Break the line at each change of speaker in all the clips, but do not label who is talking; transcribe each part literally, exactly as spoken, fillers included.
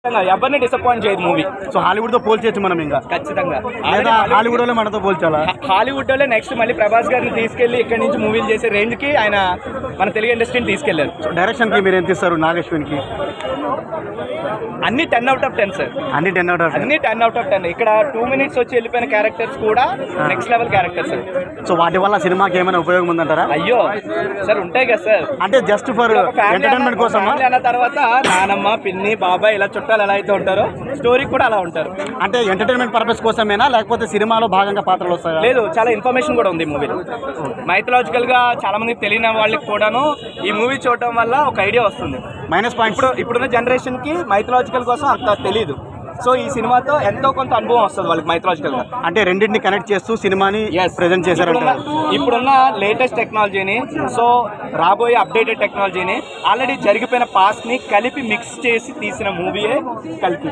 ఎవరిని డిసప్పాయింట్ చేయదు movie.
So Hollywood తో పోల్చేయచ్చు మనం ఇంకా
ఖచ్చితంగా.
హాలీవుడ్ లో మనతో పోల్చాలా?
హాలీవుడ్ లో నెక్స్ట్ మళ్ళీ ప్రభాస్ గారిని తీసుకెళ్లి ఇక్కడ నుంచి మూవీలు చేసే రేంజ్ కి ఆయన మన తెలుగు ఇండస్ట్రీని తీసుకెళ్లారు.
డైరెక్షన్ కి మీరు ఎంత ఇస్తారు నాగేశ్వన్ కి?
అన్ని ten out of ten sir.
అన్ని టెన్ అవుట్ ఆఫ్
అన్ని టెన్ అవుట్ ఆఫ్ టెన్. ఇక్కడ టూ మినిట్స్ వచ్చి వెళ్ళిపోయిన క్యారెక్టర్స్ కూడా నెక్స్ట్ లెవెల్ క్యారెక్టర్స్.
సో వాటి వల్ల సినిమాకి ఏమైనా ఉపయోగం ఉందంటారా?
అయ్యో సార్ ఉంటాయి కదా సార్.
అంటే జస్ట్ ఫర్ ఎంటర్టైన్మెంట్ కోసం
అన్న తర్వాత నానమ్మ పిన్ని బాబాయ్ ఇలా చుట్టాలు ఎలా అయితే ఉంటారో స్టోరీ కూడా అలా ఉంటారు.
అంటే ఎంటర్టైన్మెంట్ పర్పస్ కోసమేనా లేకపోతే సినిమాలో భాగంగా పాత్రలు వస్తాయా?
లేదు, చాలా ఇన్ఫర్మేషన్ కూడా ఉంది మూవీలో. మైథలాజికల్ గా చాలా మందికి తెలియని వాళ్ళకి కూడాను ఈ మూవీ చూడటం వల్ల ఒక ఐడియా వస్తుంది.
మైనస్ పాయింట్
ఇప్పుడు ఇప్పుడున్న జనరేషన్ కి మైథలాజికల్ కోసం అంత తెలియదు. సో ఈ సినిమాతో ఎంతో కొంత అనుభవం వస్తుంది వాళ్ళకి మైథలాజికల్ గా.
అంటే రెండింటిని కనెక్ట్ చేస్తూ సినిమాని ప్రెజెంట్ చేశారంట.
ఇప్పుడున్న లేటెస్ట్ టెక్నాలజీని, సో రాబోయే అప్డేటెడ్ టెక్నాలజీని, ఆల్రెడీ జరిగిపోయిన పాస్ట్ ని కలిపి మిక్స్ చేసి తీసిన మూవీయే కలిపి.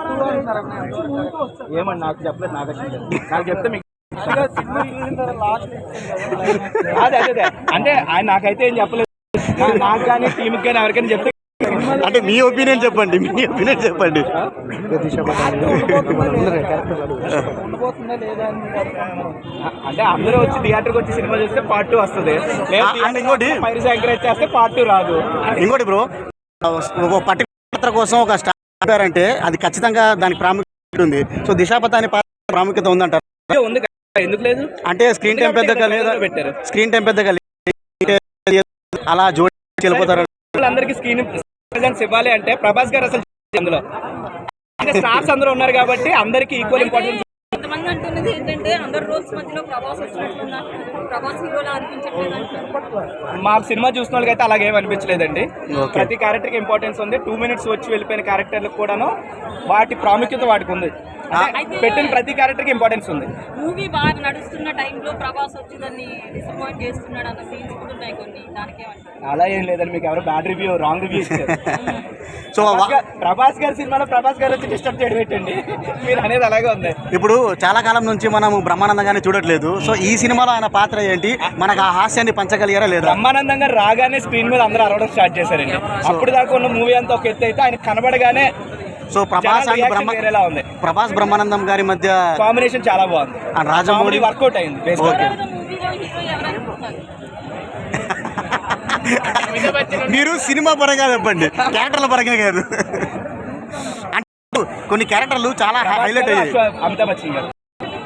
ఏమన్నా నాకు చెప్పలేదు, నాకు నాకు చెప్తే మీకు అదే అదే అంటే ఆయన నాకైతే ఏం చెప్పలేదు. నాకు కానీ టీంకి కానీ ఎవరికైనా చెప్తే
అంటే మీ ఒపీనియన్ చెప్పండి, మీ ఒపీనియన్ చెప్పండి.
అంటే అందరూ వచ్చి థియేటర్కి వచ్చి సినిమా చూస్తే పార్ట్ టూ వస్తుంది. ఇంకోటి పైరసీ ఎంకరేజ్ చేస్తే పార్ట్ టూ రాదు.
ఇంకోటి బ్రో, ఒక పర్టికులర్ కోసం ఒక స్టార్ అంటే అది ఖచ్చితంగా దానికి ప్రాముఖ్యత ఉంది. సో దిశాపథాని ప్రాముఖ్యత ఉందంటారు?
ఉంది, ఎందుకు లేదు?
అంటే స్క్రీన్ టైం పెద్దగా లేదా? పెట్టారు స్క్రీన్ టైం పెద్దగా అలా జోడి వెళ్ళిపోతారు.
అందరికి స్క్రీన్ ప్రెజెన్స్ ఇవ్వాలి అంటే ప్రభాస్ గారు అసలు అందులో అంటే స్టార్స్ అందరూ ఉన్నారు కాబట్టి అందరికి ఈక్వల్ ఇంపార్టెన్స్.
కొంతమంది అంటున్నది ఏంటంటే అందరు రోల్స్ మధ్యలో ప్రభాస్ వచ్చినట్టున్నారు, ప్రభాస్ హీరోలా అనిపించట్లేదు అంటారు.
మా సినిమా చూసిన వాళ్ళకి అయితే అలాగేం అనిపించలేదండి. ప్రతి క్యారెక్టర్కి ఇంపార్టెన్స్ ఉంది. టూ మినిట్స్ వచ్చి వెళ్ళిపోయిన క్యారెక్టర్లకు కూడాను వాటి ప్రాముఖ్యత వాటికి ఉంది. పెట్టిన ప్రతి క్యారెక్టర్కి ఇంపార్టెన్స్ ఉంది.
మూవీ బాగా నడుస్తున్న టైంలో ప్రభాస్ వచ్చి దాన్ని డిసప్పాయింట్ చేస్తున్నాడు అన్న సీన్స్ కూడా ఉన్నాయి కొన్ని. దానికి
అలా ఏం లేదండి, మీకు ఎవరు బ్యాడ్ రివ్యూ రాంగ్ రివ్యూ ఇచ్చారు.
సో
ప్రభాస్ గారి సినిమాలో ప్రభాస్ గారు వచ్చి డిస్టర్బ్ చేయడం పెట్టండి, మీరు అనేది అలాగే ఉంది.
ఇప్పుడు చాలా కాలం నుంచి మనం బ్రహ్మానందంగానే చూడట్లేదు. సో ఈ సినిమాలో ఆయన పాత్ర ఏంటి, మనకు ఆ హాస్యాన్ని పంచగలిగారా లేదా?
బ్రహ్మానందంగా రాగానే స్క్రీన్ మీద అందరూ అరవడం స్టార్ట్ చేశారండి. అప్పుడు దాకా ఉన్న మూవీ అంతా ఒక ఎత్తు అయితే ఆయన కనబడగానే
సో ప్రభాస్
ఉంది.
ప్రభాస్ బ్రహ్మానందం గారి మధ్య
కాంబినేషన్ చాలా బాగుంది.
రాజమౌళి
వర్కౌట్ అయింది.
మీరు సినిమా పరంగా చెప్పండి, క్యారెక్టర్ల పరంగా కాదు. అంటే కొన్ని క్యారెక్టర్లు చాలా హైలైట్ అయ్యాయి.
అమితాబ్ బచ్చన్ గారు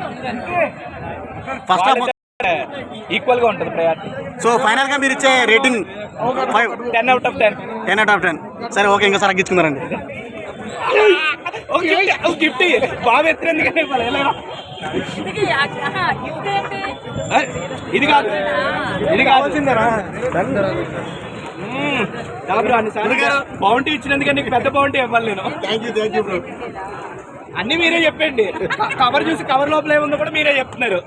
ఫస్ట్ హాఫ్
ఈక్వల్ గా ఉంటుంది ప్రయారిటీ.
సో ఫైనల్ గా మీరు ఇచ్చే rating five
ten out of ten
ten out of ten సరే ఓకే, ఇంకా సార్ తగ్గించుకున్నారండి.
గిఫ్ట్ బాగా ఎత్తునందుకనే ఇది కాదు, ఇది కావాల్సిందేనా? బౌంటీ ఇచ్చినందుకే నీకు పెద్ద బౌంటీ ఇవ్వాలి నేను. అన్ని మీరే చెప్పండి. కవర్ చూసి కవర్ లోపల ఏముందో కూడా మీరే చెప్తున్నారు.